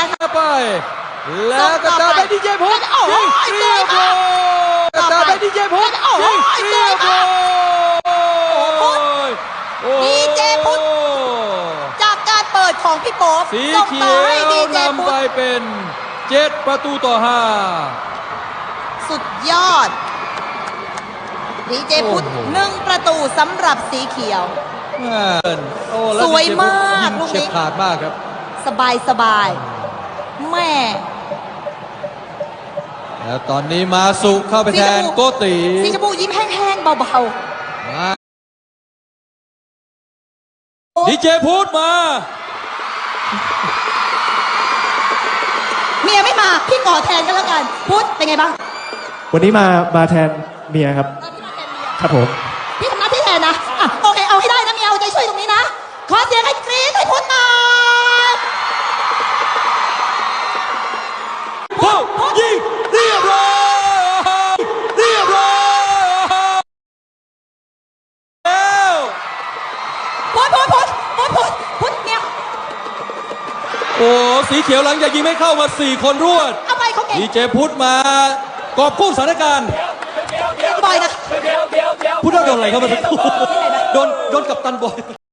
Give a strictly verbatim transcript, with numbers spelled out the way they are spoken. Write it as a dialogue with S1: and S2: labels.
S1: ไปแล้วกระตาไปดีเจพุทธยิงเรียบร้อยกระตาไปดีเจพุทธยิงเรียบร้อย
S2: ดีเจพุทธจากการเปิดของพี่โป๊ป
S1: สีเขียวนำไปเป็นเจ็ดประตูต่อห้า
S2: สุดยอดดีเจพุทธหนึ่งประตูสำหรับสีเขียวสวยมากลูกนี้
S1: ขาดมากครับ
S2: สบายสบายแม่
S1: แล้วตอนนี้มาสุเข้าไปแทนโกติ
S2: สีชมพูยิ้มแห้งๆเบา
S1: ๆดีเจพุทธมา
S2: เมียไม่มาพี่ขอแทนกันแล้วกันพุทธเป็นไงบ้าง
S3: วันนี้มามาแทนเมียครับครับผม
S2: พี่ทำหน้าที่แทนนะอ่ะโอเคเอาให้ได้นะเมียเอาใจช่วยตรงนี้นะขอเสียงให้กรี๊ดให้พุทธหน่อย
S1: พุทธยิงเรียบร้อยเรียบร้อยแล้ว
S2: พุทธพุทธพุทธพุทธพุทธพุทธเนี่ย
S1: โอ้สีเขียวหลังจากยิงไม่เข้ามาสี่คนรวด
S2: เอาไปเขาเก่ง
S1: ดีเจพุทธมากอบกู้สถานการณ์
S2: บอยนะ
S1: พุทธโดนอะไรเข้ามาโดนโดนกับตันบอย